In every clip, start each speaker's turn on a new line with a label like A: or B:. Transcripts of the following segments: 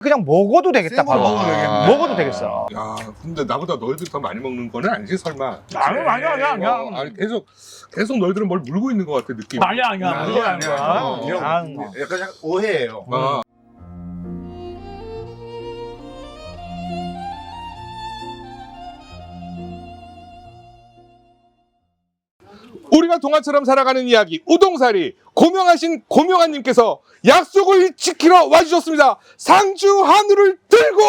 A: 그냥 먹어도 되겠다.
B: 생으로
A: 바로.
B: 먹어도 되겠네.
A: 먹어도 되겠어.
C: 야, 근데 나보다 너희들이 더 많이 먹는 거는 아니지 설마?
A: 아니야.
C: 아니 계속 너희들은 뭘 물고 있는 것 같아 느낌.
A: 아니야.
B: 아니야.
A: 형.
B: 약간 오해예요.
C: 아, 우리가 동화처럼 살아가는 이야기 우동사리 고명하신 고명아님께서 약속을 지키러 와주셨습니다. 상주 한우를 들고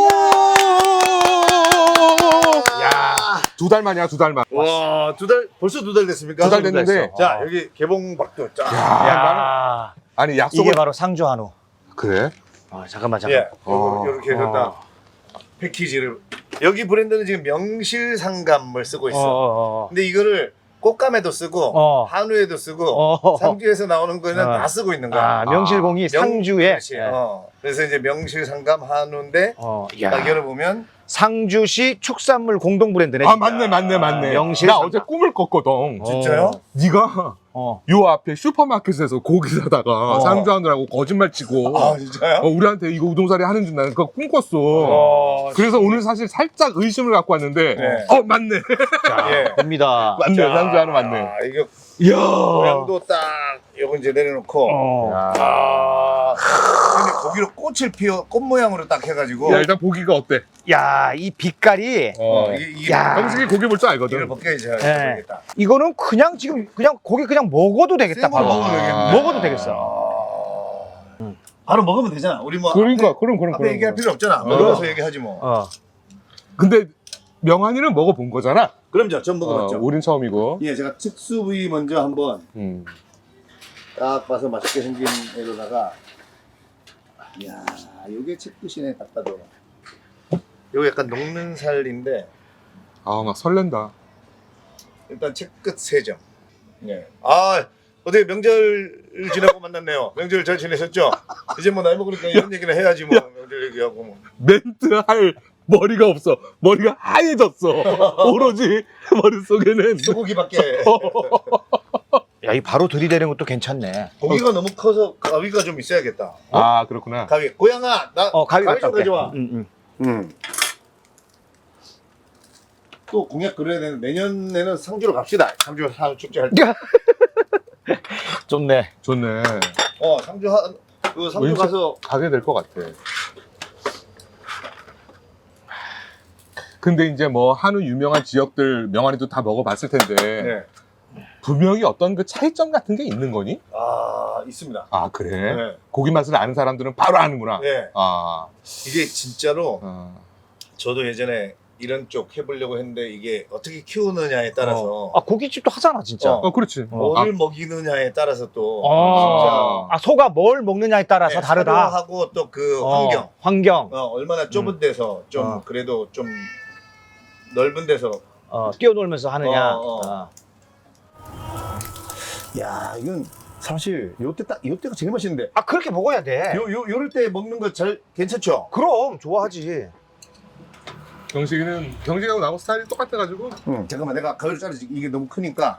B: 야,
C: 2달 만이야 2달 만.
B: 와, 벌써 2달 됐습니까?
C: 2달 됐는데.
B: 자, 여기 개봉박도 쫙.
A: 야,
C: 아니 약속을
A: 이게 바로 상주 한우.
C: 그래?
A: 잠깐만.
B: 예,
C: 어.
B: 이렇게 해서 딱 패키지를. 여기 브랜드는 지금 명실상감을 쓰고 있어. 근데 이거를 꽃감에도 쓰고 한우에도 쓰고 상주에서 나오는 거는 다 쓰고 있는 거야.
A: 명실공히 상주에.
B: 그렇지. 그래서 이제 명실상감 한우인데 딱 열어보면
A: 상주시 축산물 공동 브랜드네.
C: 아 맞네.
A: 명실
C: 나
A: 상감.
C: 어제 꿈을 꿨거든.
B: 진짜요?
C: 네가 요 앞에 슈퍼마켓에서 고기 사다가 상주 한우라고 거짓말 치고
B: 아 진짜요?
C: 우리한테 이거 우동사리 하는 줄 나는 그거 꿈꿨어. 그래서 오늘 사실 살짝 의심을 갖고 왔는데
B: 네.
C: 맞네.
B: 예.
A: 됩니다.
C: 맞네. 상주 한우 맞네.
B: 아, 이거
C: 이야.
B: 모양도 딱 요거 이제 내려놓고 근데 고기로 꽃 모양으로 딱 해가지고
C: 야 일단 보기가 어때?
A: 야, 이 빛깔이
B: 이게
A: 야.
C: 형식이 고기 볼 줄
B: 이걸
C: 알거든.
B: 벗겨야지
A: 네.
B: 되겠다.
A: 이거는 그냥 지금 그냥 고기 그냥 먹어도 되겠다.
B: 생으로
A: 바로.
B: 먹어도 되겠네.
A: 먹어도 되겠어.
B: 바로 먹으면 되잖아. 우리 뭐
C: 그러니까 그럼.
B: 앞에 얘기할 필요 없잖아. 먹어서 얘기하지 뭐.
C: 근데 명환이는 먹어본 거잖아.
B: 그럼요. 전 먹어봤죠.
C: 우린 처음이고.
B: 예, 제가 특수 부위 먼저 한번
C: 음.
B: 딱 봐서 맛있게 생긴 애로다가 이야, 요게 채끝이네. 딱 봐도 요거 약간 녹는 살인데
C: 아 막 설렌다.
B: 일단 채끝 3점. 예. 아, 어떻게 명절 지나고 만났네요. 명절 잘 지내셨죠? 이제 뭐 나이 먹으니까 이런 얘기는 해야지 뭐. 명절 얘기하고 뭐.
C: 멘트 할 머리가 없어. 머리가 하얘졌어. 오로지 머릿속에는
B: 소고기밖에.
A: 야, 이 바로 들이대는 것도 괜찮네.
B: 고기가 너무 커서 가위가 좀 있어야겠다.
C: 아 그렇구나.
B: 가위. 고양아, 나
A: 가위
B: 좀
A: 갖다 올게.
B: 가져와. 또 공약 그려야 되는데 내년에는 상주로 갑시다. 상주 한우 축제 할 때.
A: 좋네.
C: 좋네.
B: 상주 상주
C: 왠지
B: 가서
C: 가게 될 것 같아. 근데 이제 뭐 한우 유명한 지역들 명환이도 다 먹어봤을 텐데
B: 네.
C: 분명히 어떤 그 차이점 같은 게 있는 거니?
B: 있습니다.
C: 아 그래?
B: 네.
C: 고기 맛을 아는 사람들은 바로 아는구나.
B: 네.
C: 아.
B: 이게 진짜로
C: 어.
B: 저도 예전에 이런 쪽 해보려고 했는데 이게 어떻게 키우느냐에 따라서
A: 고깃집도 하잖아, 진짜.
C: 그렇지.
B: 뭐를 먹이느냐에 따라서 또
A: 소가 뭘 먹느냐에 따라서
B: 네,
A: 다르다.
B: 하고 또 그 환경
A: 환경.
B: 얼마나 좁은 데서 좀 그래도 좀 넓은 데서
A: 뛰어놀면서 하느냐.
B: 야, 이건 사실 요때가 제일 맛있는데.
A: 그렇게 먹어야 돼.
B: 요럴 때 먹는 거 잘 괜찮죠?
A: 그럼 좋아하지.
C: 경식이하고 나하고 스타일이 똑같아가지고.
B: 잠깐만, 내가 가위로 자르지. 이게 너무 크니까.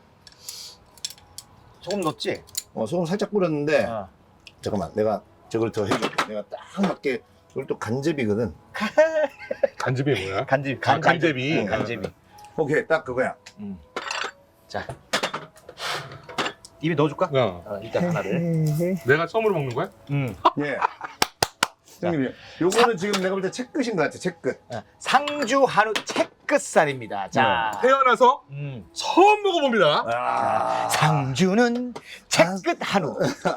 A: 소금 넣었지?
B: 소금 살짝 뿌렸는데. 잠깐만, 내가 저걸 더 해줄게. 내가 딱 맞게. 이걸 또 간제비거든.
C: 간제비 뭐야?
A: 간제비.
C: 간제비.
A: 간제비.
B: 오케이, 딱 그거야.
A: 자, 입에 넣어줄까? 일단 하나를.
C: 내가 처음으로 먹는 거야?
B: 예. 형님, 요거는 지금 내가 볼 때 채끝인 것 같아. 채끝.
A: 상주 한우 채끝살입니다. 자,
C: 태어나서 처음 먹어봅니다.
A: 상주는 채끝 한우.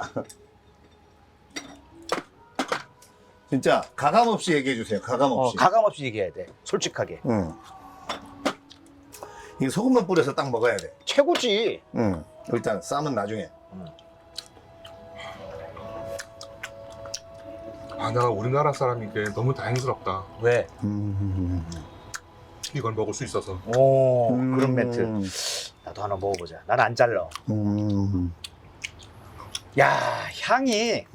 B: 진짜 가감 없이 얘기해 주세요. 가감 없이.
A: 가감 없이 얘기해야 돼. 솔직하게.
B: 이게 소금만 뿌려서 딱 먹어야 돼.
A: 최고지.
B: 일단 쌈은 나중에.
C: 나 우리나라 사람이게 너무 다행스럽다.
A: 왜?
C: 이걸 먹을 수 있어서.
A: 그런 멘트. 나도 하나 먹어보자. 나는 안 잘라. 야, 향이.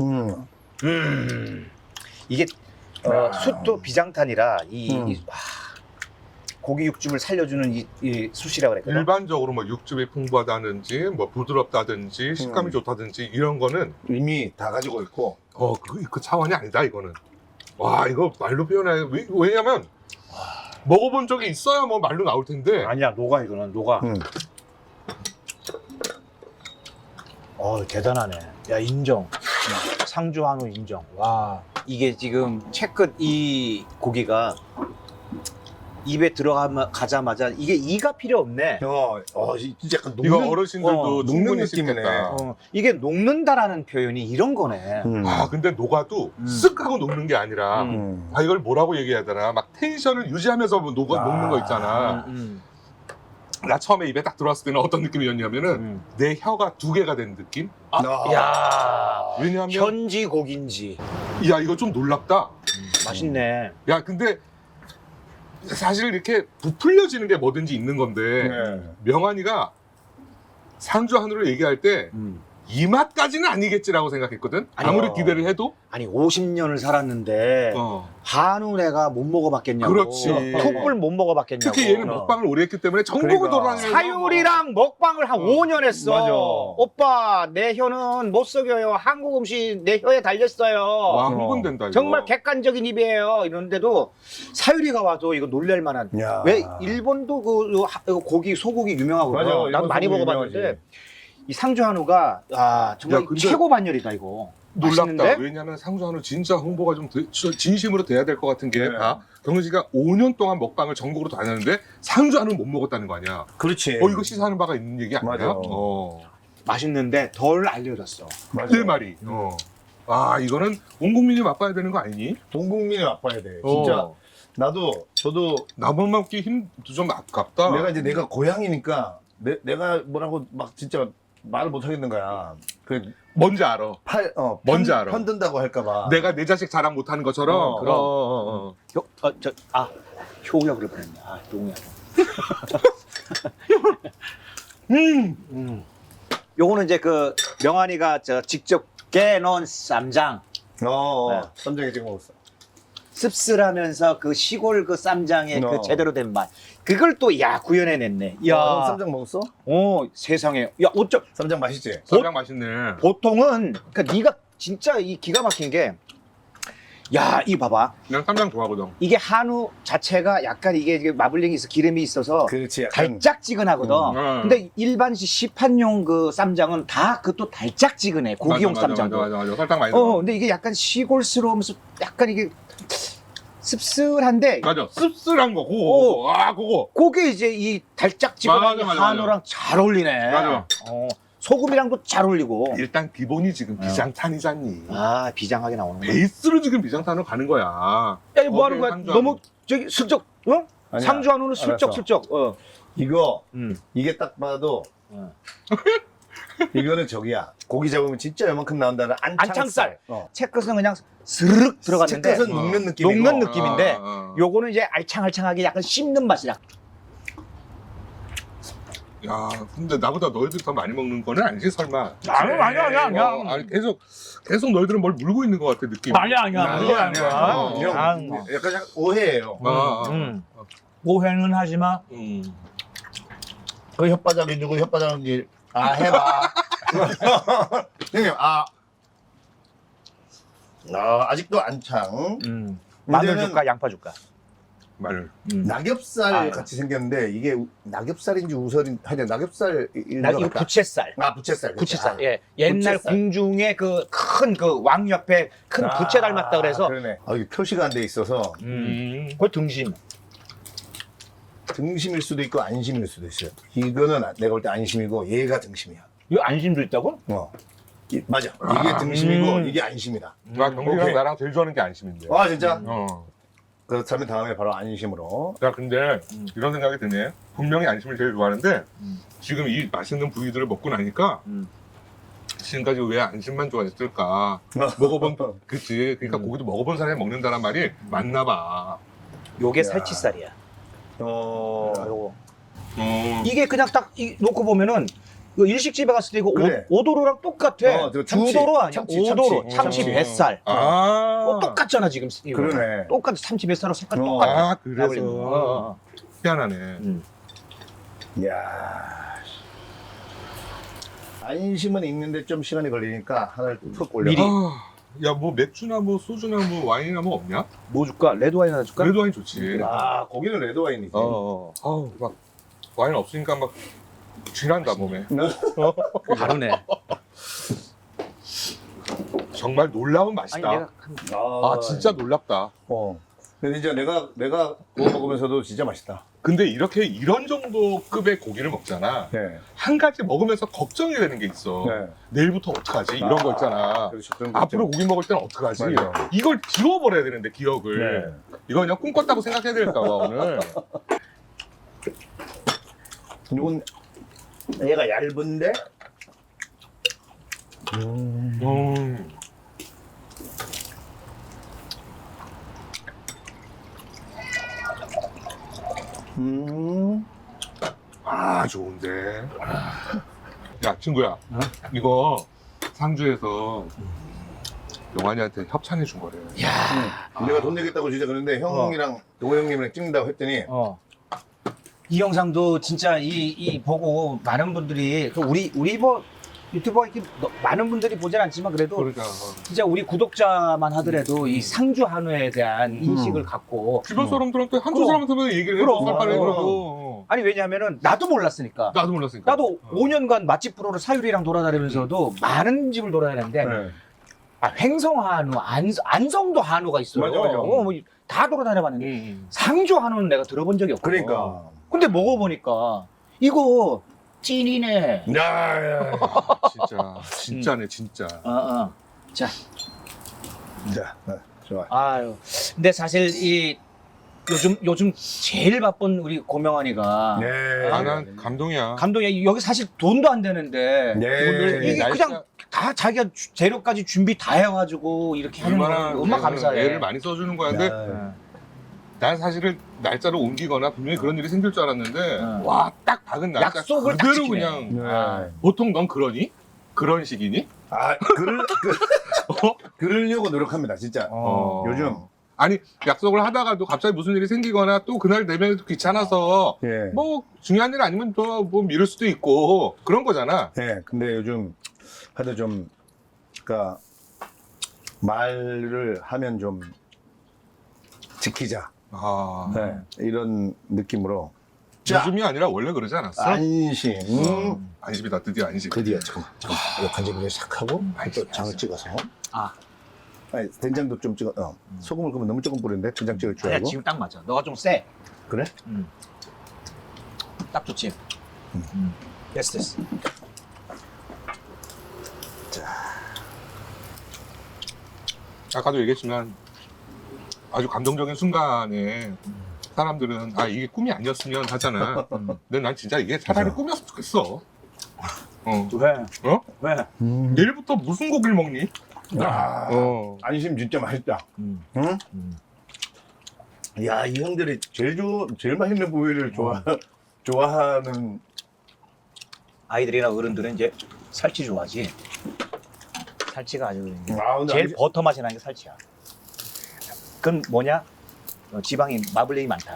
A: 이게 숯도 비장탄이라 고기 육즙을 살려주는 이 숯이라고 그랬거든.
C: 일반적으로 뭐 육즙이 풍부하다든지 뭐 부드럽다든지 식감이 좋다든지 이런 거는
B: 이미 다 가지고 있고.
C: 그 차원이 아니다 이거는. 와, 이거 말로 표현해. 왜냐면 먹어본 적이 있어야 뭐 말로 나올 텐데.
A: 아니야, 녹아 이거는 녹아. 대단하네. 야, 인정. 상주 한우 인정. 와.
D: 이게 지금 채끝 이 고기가 입에 들어가자마자 이게 이가 필요 없네.
B: 진짜 약간
C: 이거
B: 녹는,
C: 어르신들도
B: 녹는
C: 충분히
B: 느낌이네.
C: 씹겠다.
D: 이게 녹는다라는 표현이 이런 거네.
C: 아, 근데 녹아도 쓱 하고 녹는 게 아니라 아, 이걸 뭐라고 얘기해야 되나? 막 텐션을 유지하면서 녹는 거 있잖아. 나 처음에 입에 딱 들어왔을 때는 어떤 느낌이었냐면은 내 혀가 두 개가 된 느낌?
D: 야,
C: 왜냐하면
D: 현지 고기인지.
C: 야, 이거 좀 놀랍다.
D: 맛있네.
C: 야, 근데 사실 이렇게 부풀려지는 게 뭐든지 있는 건데 명환이가 상주 한우를 얘기할 때 이 맛까지는 아니겠지라고 생각했거든. 아무리 기대를 해도.
D: 아니 50년을 살았는데 한우 내가 못 먹어봤겠냐고.
C: 그렇지.
D: 툭불 못 먹어봤겠냐고.
C: 특히 얘는 먹방을 오래 했기 때문에 전국을 돌아다니면서
D: 사유리랑 먹방을 한 5년 했어.
A: 맞아.
D: 오빠 내 혀는 못 속여요. 한국 음식 내 혀에 달렸어요.
C: 와, 흥분된다 이거.
D: 정말 객관적인 입이에요. 이런데도 사유리가 와도 이거 놀랄 만한.
B: 야.
D: 왜 일본도 그 고기 소고기 유명하거든.
B: 맞아,
D: 나도
B: 일본
D: 많이
B: 소고기
D: 먹어봤는데
B: 유명하지.
D: 이 상주 한우가 정말
C: 야, 근데
D: 최고 반열이다 이거.
C: 놀랍다.
D: 맛있는데?
C: 왜냐면 상주 한우 진짜 홍보가 좀 진심으로 돼야 될 것 같은 게
B: 네.
C: 봐. 경은 씨가 5년 동안 먹방을 전국으로 다녔는데 상주 한우는 못 먹었다는 거 아니야.
B: 그렇지.
C: 이거 시사하는 바가 있는 얘기 아니야?
B: 맞아.
D: 맛있는데 덜 알려졌어.
B: 맞아.
C: 내 말이. 아, 이거는 온 국민이 맛봐야 되는 거 아니니?
B: 온 국민이 맛봐야 돼. 진짜 저도
C: 나만 먹기 힘도 좀 아깝다.
B: 내가 고향이니까 내가 뭐라고 막 진짜 말을 못 하겠는 거야.
C: 뭔지 알아. 뭔지 알아.
B: 편든다고 할까봐.
C: 내가 내 자식 자랑 못하는 것처럼.
D: 그럼. 효우야 그럴 뻔했네. 용이야. 요거는 이제 그 명환이가 직접 깨놓은 쌈장.
B: 네. 쌈장에 찍어 먹었어.
D: 씁쓸하면서 그 시골 그 쌈장의 그 제대로 된 맛. 그걸 또 구현해냈네.
B: 형 쌈장 먹었어?
D: 세상에. 어쩜
B: 쌈장 맛있지?
C: 쌈장 맛있네.
D: 보통은 그러니까 네가 진짜 이 기가 막힌 게 이 봐봐.
C: 난 쌈장 좋아하거든.
D: 이게 한우 자체가 약간 이게 마블링이 있어 기름이 있어서
B: 그렇지. 약간
D: 달짝지근하거든. 근데 일반 시판용 그 쌈장은 다 그것도 달짝지근해. 고기용 쌈장도.
C: 맞아. 설탕 많이 넣어.
D: 근데 이게 약간 시골스러우면서 약간 이게 씁쓸한데
C: 맞아. 씁쓸한 거. 그거.
D: 그게 이제 이 달짝지근한
C: 맞아.
D: 한우랑 잘 어울리네.
C: 맞아.
D: 소금이랑도 잘 어울리고.
C: 일단 기본이 지금 비장탄이잖니.
D: 비장하게 나오는 거야.
C: 베이스로 지금 비장탄으로 가는 거야.
D: 야, 이거 뭐 하는 거야?
C: 상주
D: 너무
C: 한우.
D: 저기 슬쩍,
B: 아니야.
D: 상주 한우는 슬쩍슬쩍.
B: 이거 이게 딱 봐도 이거는 저기야. 고기 잡으면 진짜 요만큼 나온다는
D: 안창살. 채끝은 그냥 스르륵 들어갔는데
B: 채끝은 녹는 느낌이고.
D: 녹는 느낌인데
C: 요거는
D: 요거는 이제 알창알창하게 약간 씹는 맛이야.
C: 야, 근데 나보다 너희들이 더 많이 먹는 거는 아니지 설마?
A: 아니야.
C: 아니 계속 너희들은 뭘 물고 있는 것 같아 느낌.
A: 아니야.
B: 형, 약간 오해예요.
A: 오해는 하지 마.
B: 그 혓바닥이 누구 혓바닥인지 해봐. 형님 아직도 안창.
D: 마늘
B: 문제는
D: 줄까 양파 줄까?
C: 마늘.
B: 낙엽살 같이 생겼는데 이게 낙엽살인지 우설인 하여튼 낙엽살
D: 이거 부채살.
B: 부채살.
D: 부채살. 옛날
B: 부채살.
D: 궁중에 그 큰 그 왕 옆에 큰 부채 닮았다 그래서
B: 그러네. 이게 표시가 안 돼 있어서
D: 그 등심.
B: 등심일 수도 있고 안심일 수도 있어요. 이거는 내가 볼 때 안심이고 얘가 등심이야.
D: 이거 안심도 있다고?
B: 맞아. 이게 등심이고 이게 안심이다.
C: 나 경기랑
B: 오케이.
C: 나랑 제일 좋아하는 게 안심인데.
B: 진짜?
C: 어.
B: 그렇다면 다음에 바로 안심으로.
C: 야, 근데 이런 생각이 드네. 분명히 안심을 제일 좋아하는데 지금 이 맛있는 부위들을 먹고 나니까 지금까지 왜 안심만 좋아했을까? 먹어본 그치. 그러니까 고기도 먹어본 사람이 먹는다는 말이 맞나 봐.
D: 요게 살치살이야.
B: 어.
D: 요거. 이게 그냥 딱 놓고 보면은 그 일식집에 갔을 때 이거
B: 그래.
D: 오도로랑 똑같아.
B: 저 참치,
D: 주도로 아니야.
B: 참치,
D: 오도로.
B: 참치.
D: 참치
B: 참치.
D: 뱃살. 똑같잖아 지금. 이거.
B: 그러네.
D: 똑같아. 참치 뱃살하고 색깔 똑같아.
C: 그래서 희한하네.
B: 이야. 안심은 있는데 좀 시간이 걸리니까 하나를 툭 올려.
D: 미리.
C: 야, 뭐 맥주나 뭐 소주나 뭐 와인이나 뭐 없냐?
D: 뭐 줄까? 레드 와인 하나 줄까?
C: 레드 와인 좋지.
B: 아 거기는 레드 와인이지.
C: 아우, 막 와인 없으니까 막 쥐난다 몸에.
D: 다르네.
C: 정말 놀라운
D: 아니
C: 맛이다.
D: 내가
C: 아, 진짜 놀랍다.
B: 근데 진짜 내가 구워 먹으면서도 진짜 맛있다.
C: 근데 이렇게 이런 정도 급의 고기를 먹잖아.
B: 네.
C: 한 가지 먹으면서 걱정이 되는 게 있어.
B: 네.
C: 내일부터 어떡하지? 이런 거 있잖아.
B: 그렇죠. 그런 거
C: 앞으로
B: 있죠.
C: 고기 먹을 때는 어떡하지?
B: 맞아.
C: 이걸 지워버려야 되는데 기억을.
B: 네.
C: 이거 그냥 꿈 꿨다고 생각해야 될까 봐 오늘.
B: 이건 얘가 얇은데
C: 아, 좋은데. 야, 친구야. 이거 상주에서 영환이한테 협찬해 준 거래.
B: 내가 돈 내겠다고 진짜 그랬는데 형이랑 도호 형님이랑 찍는다고 했더니
D: 이 영상도 진짜 이 보고 많은 분들이 그 우리 뭐 유튜버 이렇게 많은 분들이 보진 않지만 그래도
C: 그러니까.
D: 진짜 우리 구독자만 하더라도 이 상주 한우에 대한 인식을 갖고
C: 주변 사람들한테 한주
D: 그럼.
C: 사람한테 얘기를 해줘.
D: 그럼.
C: 빨리
B: 그럼.
C: 그러고.
D: 아니 왜냐하면은 나도 몰랐으니까
C: 나도 몰랐으니까.
D: 나도 5년간 맛집 프로를 사유리랑 돌아다니면서도 많은 집을 돌아다녔는데
B: 네.
D: 횡성 한우, 안성도 한우가 있어요.
B: 맞아, 맞아.
D: 다 돌아다녀봤는데 상주 한우는 내가 들어본 적이 없거든.
B: 그러니까
D: 근데 먹어보니까 이거 찐이네.
B: 야
C: 진짜네, 진짜.
D: 자,
B: 자, 좋아.
D: 아유. 근데 사실 이 요즘 제일 바쁜 우리 고명환이가
B: 네.
C: 아, 난 감동이야.
D: 감독이 여기 사실 돈도 안 되는데
B: 네.
D: 이게 그냥 다 자기가 재료까지 준비 다 해가지고 이렇게 하는
C: 얼마나
D: 거 얼마나 감사해.
C: 애를 많이 써주는 거야. 근데
B: 야.
C: 난 사실은 날짜를 옮기거나 분명히 그런 일이 생길 줄 알았는데
D: 응.
C: 와, 딱 박은 날짜
D: 약속을 딱
C: 그대로
D: 지키네.
C: 그냥
B: 네.
D: 아.
C: 보통 넌 그러니? 그런 식이니?
B: 아, 그러려고 노력합니다, 진짜. 요즘.
C: 아니, 약속을 하다가도 갑자기 무슨 일이 생기거나 또 그날 내면이 또 귀찮아서
B: 예.
C: 뭐 중요한 일 아니면 또 뭐 미룰 수도 있고 그런 거잖아.
B: 네, 근데 요즘 하도 좀, 그니까, 말을 하면 좀 지키자.
C: 아,
B: 네, 이런 느낌으로.
C: 요즘이 아니라 원래 그러지 않았어?
B: 안심.
C: 안심이다, 드디어 안심.
B: 드디어, 잠깐만. 이거 간장을 싹 하고,
C: 알겠어,
B: 또 장을
C: 알겠어.
B: 찍어서.
D: 아,
B: 아니, 된장도 좀 찍어, 소금을 그러면 너무 조금 뿌리는데, 된장 찍을 줄
D: 아니야
B: 알고.
D: 지금 딱 맞아. 너가 좀 세.
B: 그래?
D: 딱 좋지. 됐어.
C: 아까도 얘기했지만 아주 감동적인 순간에 사람들은 아, 이게 꿈이 아니었으면 하잖아. 근데 난 진짜 이게 차라리
B: 맞아.
C: 꿈이었으면 좋겠어.
D: 왜?
C: 어?
D: 왜?
C: 내일부터 무슨 고기를 먹니?
B: 아, 안심 진짜 맛있다. 응? 야, 이 형들이 제일 맛있는 부위를 좋아하는.
D: 아이들이나 어른들은 이제 살치 좋아하지. 살치가 아주
B: 아, 근데
D: 제일
B: 안심-
D: 버터 맛이 나는 게 살치야. 그건 뭐냐? 지방이 마블링이 많다.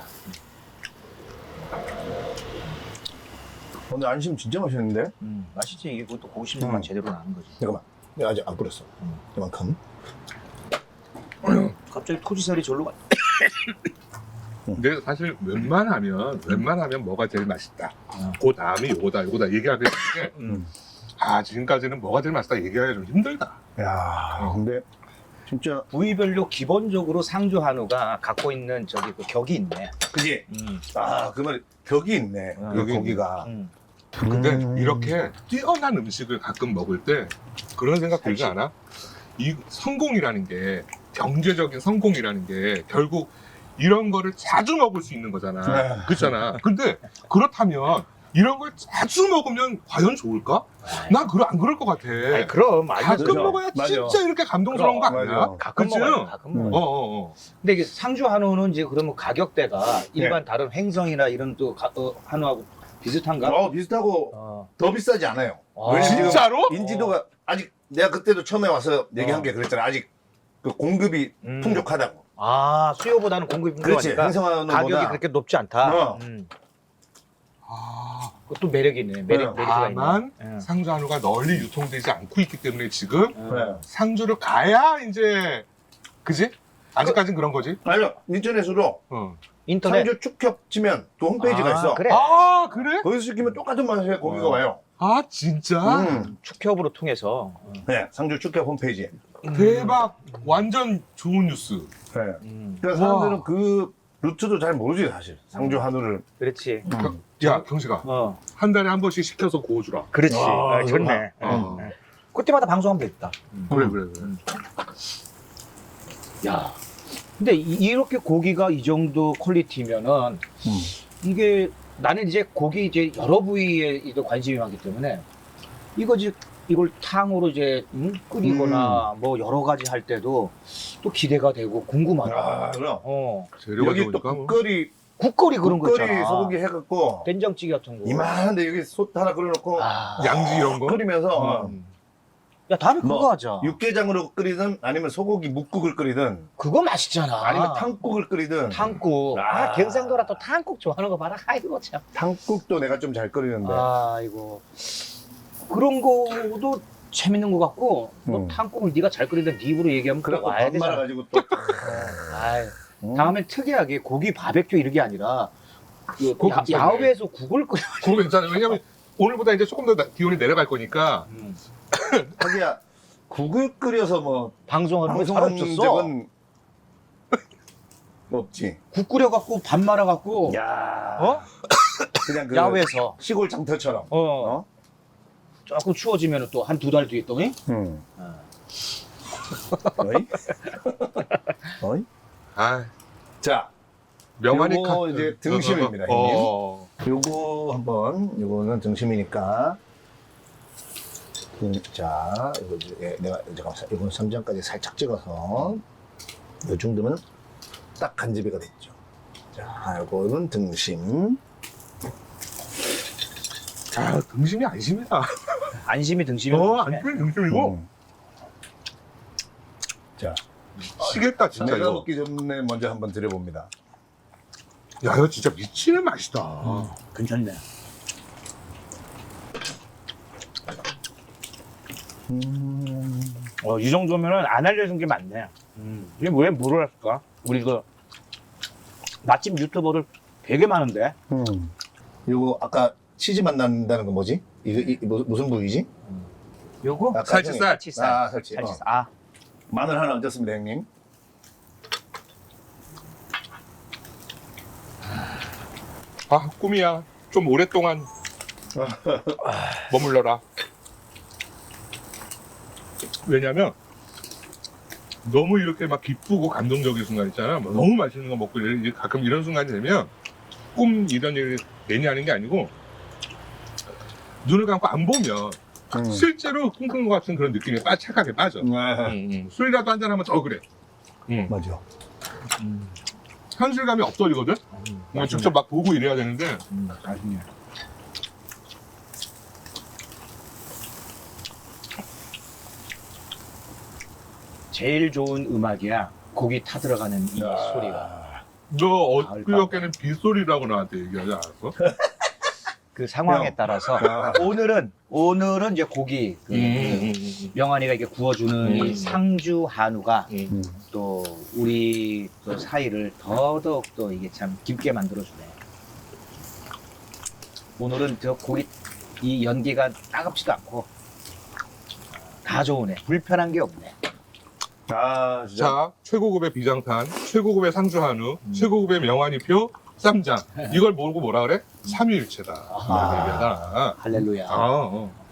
B: 오늘 안심 진짜 맛있는데?
D: 맛있지. 이게 그것도 고급심만 제대로 나는 거지.
B: 잠깐만. 내가 아직 안 뿌렸어. 이만큼.
D: 갑자기 토지살이 절로 가.
C: 근데 사실 웬만하면 뭐가 제일 맛있다. 그 다음이 요거다 얘기하게 되는데 아, 지금까지는 뭐가 제일 맛있다 얘기하기가 좀 힘들다.
B: 야, 근데 진짜.
D: 부위별로 기본적으로 상주 한우가 갖고 있는 저기 그 격이 있네.
B: 그지? 아, 그 말, 벽이 있네. 그
C: 벽이
B: 고기가.
C: 근데 이렇게 뛰어난 음식을 가끔 먹을 때 그런 생각 들지 않아? 이 성공이라는 게 경제적인 성공이라는 게 결국 이런 거를 자주 먹을 수 있는 거잖아. 그렇잖아. 근데 그렇다면 이런 걸 자주 먹으면 과연 좋을까? 난 안 그럴 것 같아.
D: 아니, 그럼
C: 가끔
B: 맞아.
C: 먹어야
B: 맞아.
C: 진짜 이렇게 감동스러운 거 아니야?
B: 맞아.
D: 가끔
C: 그치?
D: 먹어요. 가끔 먹어요. 근데 이게 상주 한우는 이제 그러면 가격대가 일반 다른 횡성이나 이런 또 한우하고 비슷한가?
B: 비슷하고 더 비싸지 않아요.
D: 아,
B: 왜냐면 지금
C: 진짜로?
B: 인지도가 아직 내가 그때도 처음에 와서 얘기한 게 그랬잖아. 아직 그 공급이 풍족하다고.
D: 아, 수요보다는 공급이
B: 그렇지.
D: 풍부하니까
B: 행성한우보다
D: 가격이 그렇게 높지 않다.
C: 아,
D: 그것도 매력이 있네. 메리트가 있네.
C: 다만
D: 예.
C: 상주 한우가 널리 유통되지 않고 있기 때문에 지금
B: 네.
C: 상주를 가야 이제 그지? 아직까진 그런 거지.
B: 아니요, 인터넷으로
C: 어.
D: 인터넷.
B: 상주 축협 치면 또 홈페이지가 있어.
D: 그래.
C: 아 그래?
B: 거기서 시키면 똑같은 맛의 고기가 와요.
C: 아 진짜?
D: 축협으로 통해서.
B: 네, 상주 축협 홈페이지.
C: 대박. 완전 좋은 뉴스.
B: 네.
D: 음.
B: 그러니까 사람들은 그 루트도 잘 모르지 사실. 상주 한우를.
D: 그렇지.
C: 야 경식아,
D: 어.
C: 한 달에 한 번씩 시켜서 구워주라.
D: 그렇지.
B: 아,
D: 아, 좋네.
C: 어.
D: 예. 그때마다 방송하면 되겠다.
C: 그래 그래 그래.
D: 야. 근데 이렇게 고기가 이 정도 퀄리티면은 이게 나는 이제 고기 이제 여러 부위에 이제 관심이 많기 때문에 이걸 탕으로 이제 끓이거나 뭐 여러 가지 할 때도 또 기대가 되고 궁금하다.
B: 아, 그럼.
C: 재료가
B: 여기 또
C: 좋으니까 뭐.
B: 국거리
D: 그런 거
B: 국거리
D: 있잖아.
B: 소고기 해갖고
D: 된장찌개 같은 거.
B: 이만한데 여기 솥 하나 끓여놓고
D: 아.
C: 양지 이런 거.
B: 끓이면서
D: 야, 다음에 그거
B: 뭐,
D: 하자.
B: 육개장으로 끓이든 아니면 소고기 묵국을 끓이든
D: 그거 맛있잖아.
B: 아니면 탕국을 끓이든
D: 탕국.
B: 아.
D: 경상도라 또 탕국 좋아하는 거 봐라. 아이고 참.
B: 탕국도 내가 좀 잘 끓이는데
D: 아이고. 그런 거도 재밌는 것 같고 또 탕국을 네가 잘 끓이던 네 입으로 얘기하면 또
B: 그래갖고
D: 와야
B: 밥
D: 되잖아.
B: 말아가지고 또
D: 아이, 다음엔 특이하게 고기 바베큐 이런 게 아니라 그
C: 그거 괜찮네.
D: 야외에서 국을 끓여.
C: 그거 괜찮아요. 왜냐면 오늘보다 이제 조금 더 기온이 내려갈 거니까.
B: 하기야 국을 끓여서 뭐
D: 방송하는 거
B: 방송한
D: 없었어.
B: 적은 없지.
D: 국 끓여갖고 밥 말아갖고
B: 야,
D: 어?
B: 그냥 그
D: 야외에서
B: 시골 장터처럼.
D: 어. 조금 추워지면 또 한 두 달 뒤에 또
B: 응. 어이? 어이?
C: 아
B: 자,
C: 명환이
B: 요거 이제 등심입니다,
C: 어.
B: 요거 한번 요거는 등심이니까. 자, 이거 이제 내가 잠깐만 이건 3장까지 살짝 찍어서 요 정도면 딱 간지배가 됐죠. 자, 요거는 등심.
C: 아, 등심이 안심이다.
D: 안심이 등심이.
C: 안심이 등심이고.
B: 자,
C: 미치겠다 진짜
B: 내가
C: 이거.
B: 먹기 전에 먼저 한번 드려봅니다.
C: 야 이거 진짜 미치는 맛이다.
D: 괜찮네. 이 정도면은 안 알려준 게 많네. 이게 왜 모르겠을까? 우리 그 맛집 유튜버들 되게 많은데.
B: 요거 아까 치즈 맛 난다는 거 뭐지? 이거 무슨 부위지?
D: 요거?
B: 아까
C: 살치살.
D: 살치살.
B: 아, 살치.
D: 살치살. 아,
B: 마늘 하나 얹었습니다, 형님.
C: 아 꿈이야. 좀 오랫동안 머물러라. 왜냐면 너무 이렇게 막 기쁘고 감동적인 순간 있잖아. 뭐 너무 맛있는 거 먹고 가끔 이런 순간이 되면 꿈 이런 일 괜히 하는 게 아니고 눈을 감고 안 보면 실제로 꿈꾸는 것 같은 그런 느낌에 착하게 빠져. 술이라도 한잔 하면 더 그래.
B: 맞아.
C: 현실감이 없어지거든. 직접 막 보고 이래야 되는데.
D: 맛있네. 제일 좋은 음악이야. 고기 타들어가는 이 소리가.
C: 너
D: 가을
C: 엊그저께는 빗소리라고 나한테 얘기하지 않았어?
D: 그 상황에 따라서 오늘은 이제 고기 그 명환이가 이렇게 구워주는 이 상주 한우가 또 우리 또 사이를 더더욱 또 이게 참 깊게 만들어주네. 오늘은 저 고기 이 연기가 따갑지도 않고 다 좋으네. 불편한 게 없네.
B: 아, 진짜.
C: 자, 최고급의 비장탄, 최고급의 상주 한우, 최고급의 명환이표, 쌈장. 이걸 모르고 뭐라 그래? 삼위일체다. 이렇게 얘기하잖아.
D: 할렐루야.
C: 아,